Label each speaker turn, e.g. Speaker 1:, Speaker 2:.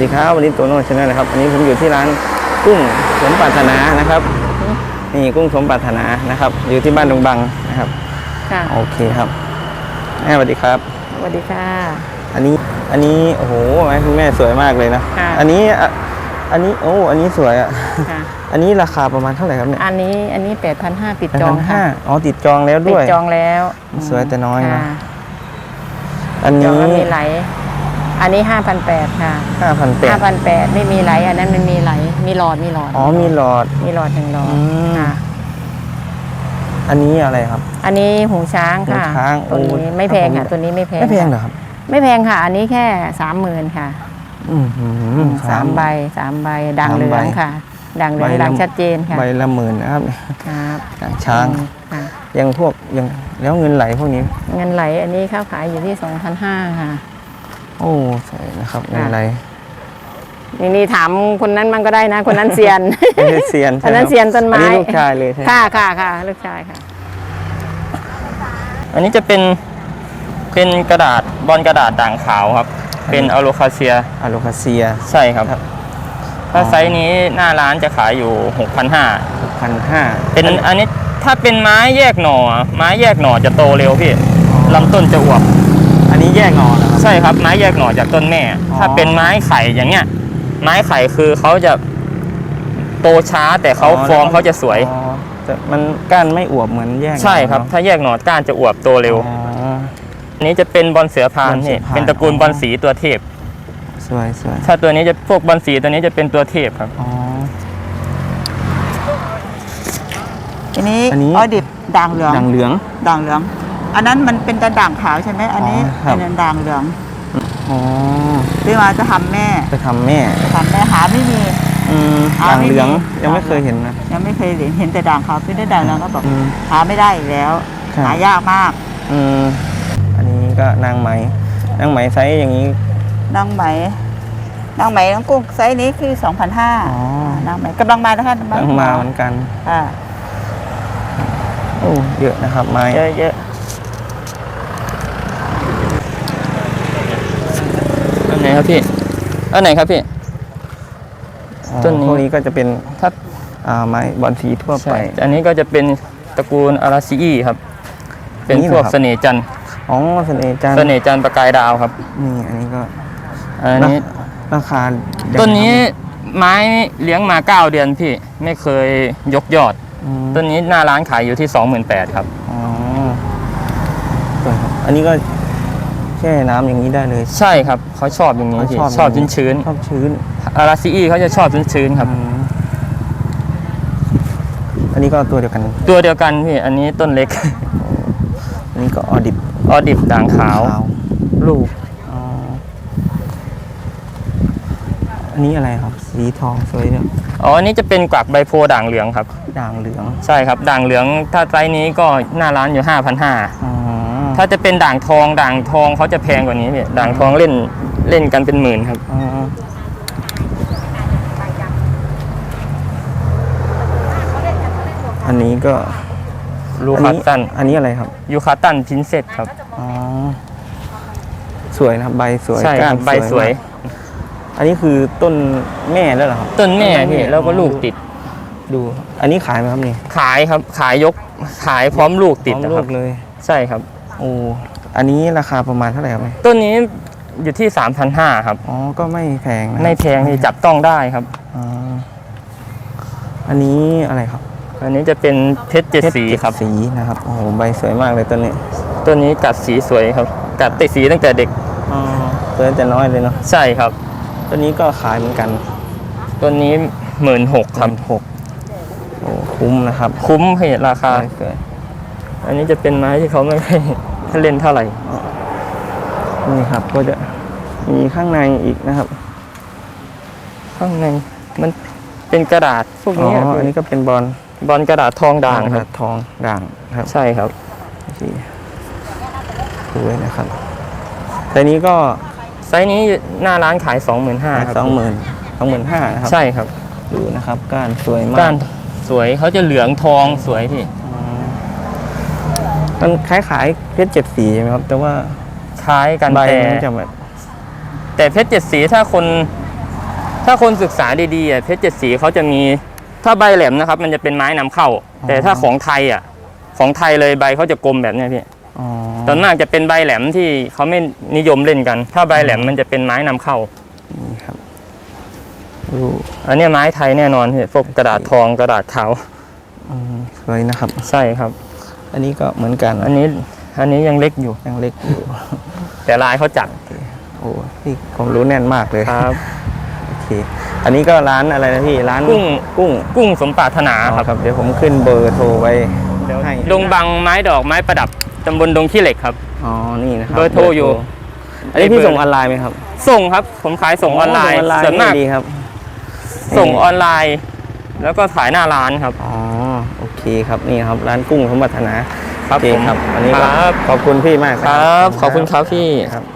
Speaker 1: ดีครับวันนี้โตโน่ชาแนลนะครับวันนี้ผมอยู่ที่ร้านกุ้งสมปรารถนานะครับนี่กุ้งสมปรารถนานะครับอยู่ที่บ้านดงบังนะครับ
Speaker 2: ค่ะ
Speaker 1: โอเคครับแม่สวัสดีครับ
Speaker 2: สวัสดีค่ะ
Speaker 1: อันนี้โอ้โหคุณแม่สวยมากเลยนะอันนี้โอ้อันนี้สวยอ่ะอันนี้ราคาประมาณเท่าไหร่ครับเนี่ย
Speaker 2: อันนี้8,500ปิดจองค่ะ
Speaker 1: อ๋อติดจองแล้วด้วย
Speaker 2: ปิดจองแล้ว
Speaker 1: สวยแต่น้อยนะอันนี้
Speaker 2: มีไหลอันนี้5,800ค่ะ5,800ไม่มีไหลอันนั้นมันมีไหลมีหลอด
Speaker 1: อ๋อมีหลอด
Speaker 2: 1หลอดค่ะ
Speaker 1: อันนี้อะไรครับ
Speaker 2: อันนี้หูช้างค่ะตัวนี้ไม่แพงค่ะตัวนี้ไม่แพง
Speaker 1: เหรอครับ
Speaker 2: ไม่แพงค่ะอันนี้แค่30,000ค่ะ3 ใบด่างเหลืองค่ะด่างเหลืองด่างชัดเจนค่ะ
Speaker 1: ใบละ10,000นะครับ
Speaker 2: ครับ
Speaker 1: ด่างช้างยังแล้วเงินไหลพวกนี้
Speaker 2: เงินไหลอันนี้ข้าวขายอยู่ที่2,500ค่ะ
Speaker 1: โอ้ใช่นะครับเงินไหล
Speaker 2: นี่ถามคนนั้นมันก็ได้นะคนนั้นเซียน
Speaker 1: เซียน
Speaker 2: คนนั้นเซียนต้นไม้
Speaker 1: ลูกชายเลยใช่
Speaker 2: ค่ะลูกชายค่ะ
Speaker 3: อันนี้จะเป็นกระดาษบอลกระดาษด่างขาวครับเป็นอะโลคาเซียใช่ครับถ้าไซส์นี้หน้าร้านจะขายอยู่ 6,500เป็นอันนี้ถ้าเป็นไม้แยกหน่อจะโตเร็วพี่ลำต้นจะอวบ
Speaker 1: อันนี้แยกหน่อนะครับ
Speaker 3: ใช่ครับไม้แยกหน่อจากต้นแม่ถ้าเป็นไม้ไข่อย่างเงี้ยไม้ไข่คือเขาจะโตช้าแต่เขาฟอร์มเขาจะสวย
Speaker 1: แต่มันก้านไม่อวบเหมือนแยก
Speaker 3: ใช่ครับถ้าแยกหน่อก้านจะอวบโตเร็วอันนี้จะเป็นบอลเสือพานนี่เป็นตระกูลบอลสีตัวเทพ
Speaker 1: สวย
Speaker 3: ถ้าตัวนี้จะพวกบอลสีตัวนี้จะเป็นตัวเทพครับ
Speaker 2: อันนี้ออดิบด่างเหลืองอันนั้นมันเป็นตะด่างขาวใช่ไหมอันนี้เป็นด่างเหลืองที่มาจะทำแม่หาไม่มี
Speaker 1: ด่างเหลืองยังไม่เคยเห็นนะ
Speaker 2: ยังไม่เคยเห็นแต่ด่างขาวเป็นด่างเหลืองก็บอกหาไม่ได้อีกแล้วหายากมาก
Speaker 1: อันนี้ก็นางไหมไซส์อย่างนี้
Speaker 2: นางไหมน้องกุ้งไซส์นี้คือ2,500นางไหมกำลังมานะคะ
Speaker 1: กำลังมาเหมือนกันโอ้เยอะนะครับไม้
Speaker 2: เยอะ
Speaker 3: อันไหนครับพี่
Speaker 1: ต้นนี้ก็จะเป็นถ้าไม้บอลสีทั่วไป
Speaker 3: อันนี้ก็จะเป็นตระกูลอาราซีอีครับเป็นพวกเสน่ห์จันทร์
Speaker 1: เสน่ห์จันทร์
Speaker 3: ประกายดาวครับ
Speaker 1: อันนี้ก็
Speaker 3: อันนี้
Speaker 1: ราคา
Speaker 3: ต้นนี้ไม้เลี้ยงมา9 เดือนพี่ไม่เคยยกยอดต้นนี้หน้าร้านขายอยู่ที่28,000ครับ
Speaker 1: อันนี้ก็แช่น้ำอย่างนี้ได้เลย
Speaker 3: ใช่ครับเขาชอบอย่างนี้พี่ชอบชื้นอาราซีอีเขาจะชอบชื้นครับ
Speaker 1: อันนี้ก็ตัวเดียวกัน
Speaker 3: พี่อันนี้ต้นเล็ก
Speaker 1: อันนี้ก็ออ
Speaker 3: ดิบด่างขาวลูก
Speaker 1: อันนี้อะไรครับสีทองสวยเนี่ย
Speaker 3: อันนี้จะเป็นกวักใบโพด่างเหลืองครับ
Speaker 1: ด่างเหลือง
Speaker 3: ใช่ครับด่างเหลืองถ้าไซส์นี้ก็หน้าร้านอยู่ 5,500ถ้าจะเป็นด่างทองเขาจะแพงกว่านี้พี่ด่างทองเล่นกันเป็นหมื่นครับ
Speaker 1: อันนี้ก็
Speaker 3: ลูคัตตัน
Speaker 1: อันนี้อะไรครับ
Speaker 3: ยูคาตันพินเซตครับ
Speaker 1: สวยนะครับใบสวย
Speaker 3: ใช่ครับใบสวย
Speaker 1: อันนี้คือต้นแม่แล้วเหรอครับ
Speaker 3: ต้นแม่พี่แล้วก็ลูกติด
Speaker 1: ดูอันนี้ขายไหมครับนี่
Speaker 3: ขายครับขายพร้อมลูกติดนะครับ
Speaker 1: เลย
Speaker 3: ใช่ครับ
Speaker 1: อันนี้ราคาประมาณเท่าไหร่ครับ
Speaker 3: ต้นนี้อยู่ที่3,500ครับ
Speaker 1: ก็ไม่แพงนะ
Speaker 3: ไม่แพงที่จับต้องได้ครับ
Speaker 1: อันนี้อะไรครับ
Speaker 3: อันนี้จะเป็นเพชร7 สีครับ
Speaker 1: สีนะครับโอ้โหใบสวยมากเลยต้น
Speaker 3: นี้กัดสีสวยครับกัดติดสีตั้งแต่เด็ก
Speaker 1: ตัวแต่น้อยเลยเนาะ
Speaker 3: ใช่ครับ
Speaker 1: ตัวนี้ก็ขายเหมือนกัน
Speaker 3: ตัวนี้16,000ครับ
Speaker 1: คุ้มนะครับ
Speaker 3: คุ้มให้ราคาอันนี้จะเป็นไม้ที่เขาไม่ให้เล่นเท่าไหร่
Speaker 1: นี่ครับก็จะมีข้างในอีกนะครับ
Speaker 3: ข้างในมันเป็นกระดาษพวกนี้
Speaker 1: อันนี้ก็เป็นบอล
Speaker 3: กระดาษทองด่างครับ
Speaker 1: ทองด่างครับ
Speaker 3: ใช่ครับ
Speaker 1: สวยนะครับแต่นี้ก็
Speaker 3: ไซส์นี้หน้าร้านขาย25,000ครับ
Speaker 1: 25,000นะครับ
Speaker 3: ใช่ครับ
Speaker 1: ดูนะครับก้านสวยมาก
Speaker 3: ก้านสวยเขาจะเหลืองทองสวยพี่
Speaker 1: มันคล้ายเพชร7 สีใช่ไหมครับแต่ว่า
Speaker 3: คล้ายกันแต่เพชร7 สีถ้าคนถ้าคนศึกษาดีๆเพชรเจ็ดสีเขาจะมีถ้าใบแหลมนะครับมันจะเป็นไม้นำเข้า แต่ถ้าของไทยของไทยเลยใบเขาจะกลมแบบนี้พี่ตอนมากจะเป็นใบแหลมที่เขาไม่นิยมเล่นกัน ถ้าใบแหลมมันจะเป็นไม้นำเข้า
Speaker 1: นี่ครับ
Speaker 3: อันนี้ไม้ไทยแน่นอนพี่พวกกระดาษทองกระดาษขาว
Speaker 1: สวยนะครับ
Speaker 3: ใช่ครับ
Speaker 1: อันนี้ก็เหมือนกัน
Speaker 3: อันนี้ยังเล็กอยู่แต่ลายเขาจัด
Speaker 1: โอ้ที่ความรู้แน่นมากเลย
Speaker 3: ครับ
Speaker 1: โอเคอันนี้ก็ร้านอะไรนะพี่ร้าน
Speaker 3: กุ้งสมปรารถนา
Speaker 1: ครับเดี๋ยวผมขึ้นเบอร์โทรไว้ให้
Speaker 3: ดงบังไม้ดอกไม้ประดับตำบลดงขี้เหล็กครับ
Speaker 1: อ๋อนี่นะครับ
Speaker 3: เบอร์โทรอยู่
Speaker 1: อันนี้พี่ส่งออนไลน์ไหมครับ
Speaker 3: ส่งครับผมขายส่งออนไลน์ส่วนมาก
Speaker 1: ดีครับ
Speaker 3: ส่งออนไลน์แล้วก็ขายหน้าร้านครับ
Speaker 1: อ๋อโอเคครับนี่ครับร้านกุ้งสมปรารถนา
Speaker 3: ครับผม
Speaker 1: ครับอันนี้ขอบคุณพี่มาก
Speaker 3: ครับขอบคุณครับพี่
Speaker 1: ครับ